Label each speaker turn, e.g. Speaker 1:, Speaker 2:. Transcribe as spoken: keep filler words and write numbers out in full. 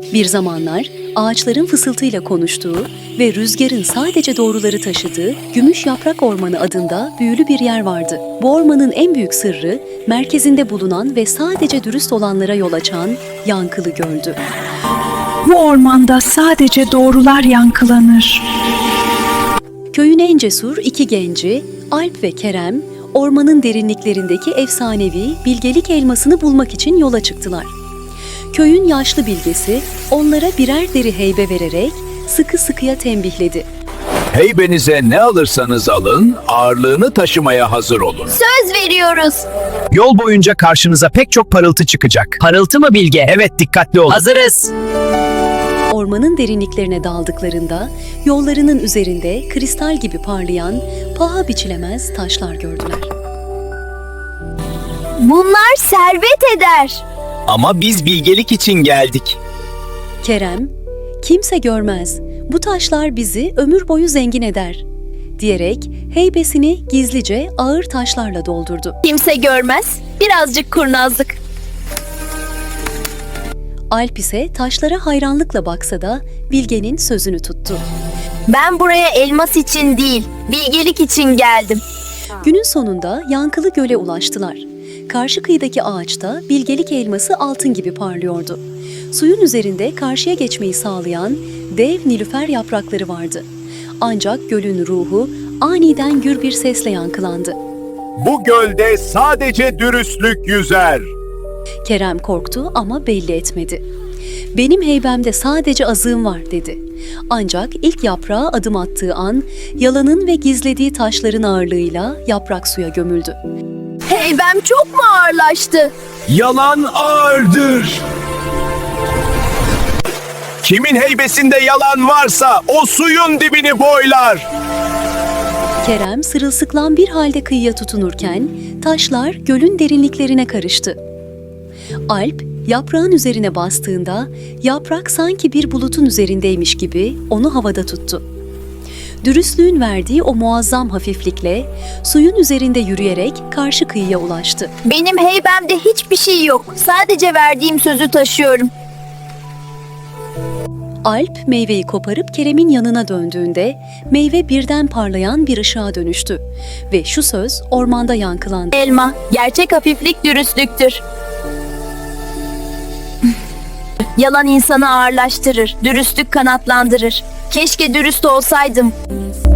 Speaker 1: Bir zamanlar ağaçların fısıltıyla konuştuğu ve rüzgarın sadece doğruları taşıdığı Gümüş Yaprak Ormanı adında büyülü bir yer vardı. Bu ormanın en büyük sırrı, merkezinde bulunan ve sadece dürüst olanlara yol açan Yankılı Göl'dü.
Speaker 2: Bu ormanda sadece doğrular yankılanır.
Speaker 1: Köyün en cesur iki genci, Alp ve Kerem, ormanın derinliklerindeki efsanevi bilgelik elmasını bulmak için yola çıktılar. Köyün yaşlı bilgesi onlara birer deri heybe vererek sıkı sıkıya tembihledi.
Speaker 3: Heybenize ne alırsanız alın, ağırlığını taşımaya hazır olun.
Speaker 4: Söz veriyoruz.
Speaker 5: Yol boyunca karşınıza pek çok parıltı çıkacak.
Speaker 6: Parıltı mı Bilge?
Speaker 5: Evet, dikkatli olun.
Speaker 6: Hazırız.
Speaker 1: Ormanın derinliklerine daldıklarında yollarının üzerinde kristal gibi parlayan paha biçilemez taşlar gördüler.
Speaker 4: Bunlar servet eder.
Speaker 5: Ama biz bilgelik için geldik.
Speaker 1: Kerem, "Kimse görmez, bu taşlar bizi ömür boyu zengin eder," diyerek heybesini gizlice ağır taşlarla doldurdu.
Speaker 4: Kimse görmez. Birazcık kurnazlık.
Speaker 1: Alp ise taşlara hayranlıkla baksa da Bilge'nin sözünü tuttu.
Speaker 4: Ben buraya elmas için değil, bilgelik için geldim.
Speaker 1: Günün sonunda Yankılı Göl'e ulaştılar. Karşı kıyıdaki ağaçta bilgelik elması altın gibi parlıyordu. Suyun üzerinde karşıya geçmeyi sağlayan dev nilüfer yaprakları vardı. Ancak gölün ruhu aniden gür bir sesle yankılandı.
Speaker 3: Bu gölde sadece dürüstlük yüzer.
Speaker 1: Kerem korktu ama belli etmedi. "Benim heybemde sadece azığım var," dedi. Ancak ilk yaprağa adım attığı an yalanın ve gizlediği taşların ağırlığıyla yaprak suya gömüldü.
Speaker 4: Heybem çok mu ağırlaştı?
Speaker 3: Yalan ağırdır. Kimin heybesinde yalan varsa o suyun dibini boylar.
Speaker 1: Kerem sırılsıklam bir halde kıyıya tutunurken taşlar gölün derinliklerine karıştı. Alp yaprağın üzerine bastığında yaprak sanki bir bulutun üzerindeymiş gibi onu havada tuttu. Dürüstlüğün verdiği o muazzam hafiflikle suyun üzerinde yürüyerek karşı kıyıya ulaştı.
Speaker 4: Benim heybemde hiçbir şey yok. Sadece verdiğim sözü taşıyorum.
Speaker 1: Alp meyveyi koparıp Kerem'in yanına döndüğünde meyve birden parlayan bir ışığa dönüştü ve şu söz ormanda yankılandı.
Speaker 4: Elma, gerçek hafiflik dürüstlüktür. Yalan insanı ağırlaştırır, dürüstlük kanatlandırır. Keşke dürüst olsaydım.